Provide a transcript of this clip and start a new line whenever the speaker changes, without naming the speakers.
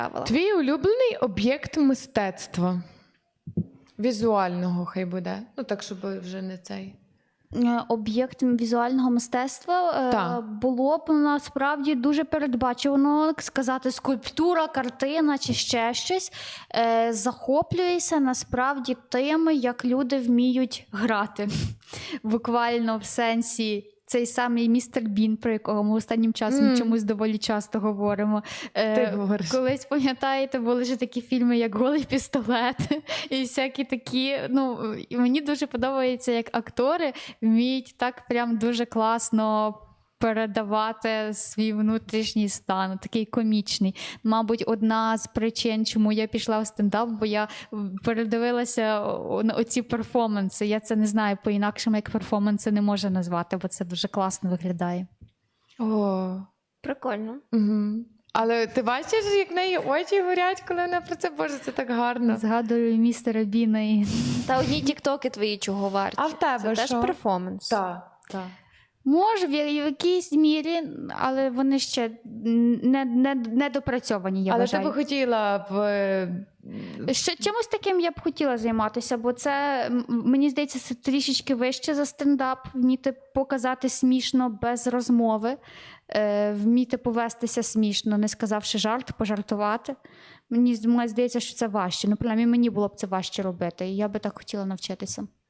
Твій улюблений об'єкт мистецтва? Візуального хай буде. Ну так, щоб вже не цей.
Об'єкт візуального мистецтва було б насправді дуже передбачувано сказати скульптура, картина чи ще щось. Захоплююся насправді тим, як люди вміють грати. Буквально в сенсі цей самий містер Бін, про якого ми останнім часом чомусь доволі часто говоримо.
Ти говориш.
Колись, пам'ятаєте, були ж такі фільми, як «Голий пістолет» і всякі такі. Ну, і мені дуже подобається, як актори вміють так прям дуже класно передавати свій внутрішній стан, такий комічний. Мабуть, одна з причин, чому я пішла в стендап, бо я передивилася оці перформанси. Я це не знаю, по-інакшому як перформанси не можу назвати, бо це дуже класно виглядає.
О,
Прикольно.
угу. Але ти бачиш, як в неї очі горять, коли вона про це, боже, це так гарно.
Згадую містера Біна і...
Та одні тіктоки твої чого варті.
А в тебе
Це
що?
теж перформанс.
Так, так.
Може, в якійсь мірі, але вони ще не допрацьовані, я
Але
вважаю.
ти би хотіла б...
Ще чимось таким я б хотіла займатися, бо це, мені здається, це трішечки вище за стендап, вміти показати смішно без розмови, вміти повестися смішно, не сказавши жарт, пожартувати. Мені здається, що це важче. Ну, принаймні, мені було б це важче робити, і я би так хотіла навчитися.